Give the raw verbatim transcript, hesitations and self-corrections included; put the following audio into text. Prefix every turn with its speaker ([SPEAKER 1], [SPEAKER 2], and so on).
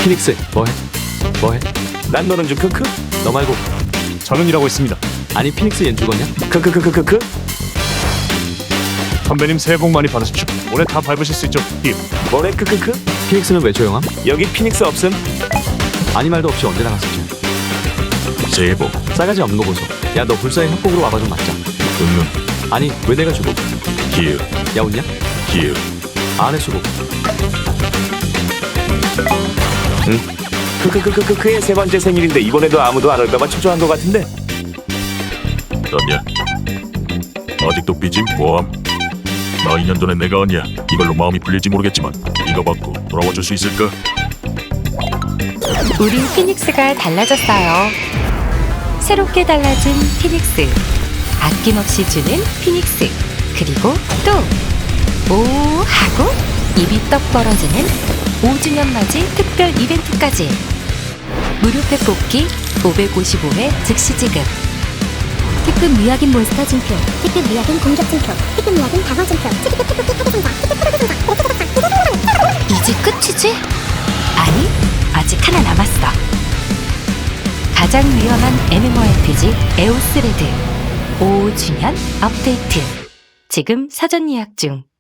[SPEAKER 1] 피닉스 뭐해? 뭐해?
[SPEAKER 2] 난 너는 좀 크크?
[SPEAKER 1] 너 말고.
[SPEAKER 3] 저는 일하고 있습니다.
[SPEAKER 1] 아니 피닉스 얜 죽었냐?
[SPEAKER 2] 크크크크크크?
[SPEAKER 3] 선배님 새해 복 많이 받으십시오. 올해 다 밟으실 수 있죠. 힙.
[SPEAKER 2] 뭐래 크크크?
[SPEAKER 1] 피닉스는 왜 조용함?
[SPEAKER 2] 여기 피닉스 없음?
[SPEAKER 1] 아니 말도 없이 언제 나갔었지?
[SPEAKER 4] 새해 복.
[SPEAKER 1] 싸가지 없는 거 보소. 야 너 불사의 협곡으로 와봐 좀 맞자.
[SPEAKER 4] 응응.
[SPEAKER 1] 아니 왜 내가 주고?
[SPEAKER 4] 기읍.
[SPEAKER 1] 야 웃냐?
[SPEAKER 4] 기읍.
[SPEAKER 1] 안해 수고.
[SPEAKER 2] 크크크크크크의 세 번째 생일인데 이번에도 아무도 안 올까봐 초조한 것 같은데.
[SPEAKER 4] 떴냐? 아직도 삐짐 뭐함? 나 이 년 전에 내가 아니야. 이걸로 마음이 풀릴지 모르겠지만 이거 받고 돌아와 줄 수 있을까?
[SPEAKER 5] 우린 피닉스가 달라졌어요. 새롭게 달라진 피닉스. 아낌없이 주는 피닉스. 그리고 또 오 하고 입이 떡 벌어지는 오 주년 맞이 특별 이벤트까지. 무료팩 뽑기 오백오십오 회 즉시 지급.
[SPEAKER 6] 특급 미약인 몬스터 증표, 특급 미약인 공격 증표, 특급 미약인 방어 증표, 특급 특급 특급 상자, 특급 프로그 상자.
[SPEAKER 5] 이제 끝이지? 아니, 아직 하나 남았어. 가장 위험한 엠엠오알피지 에오스 레드 오 주년 업데이트. 지금 사전 예약 중.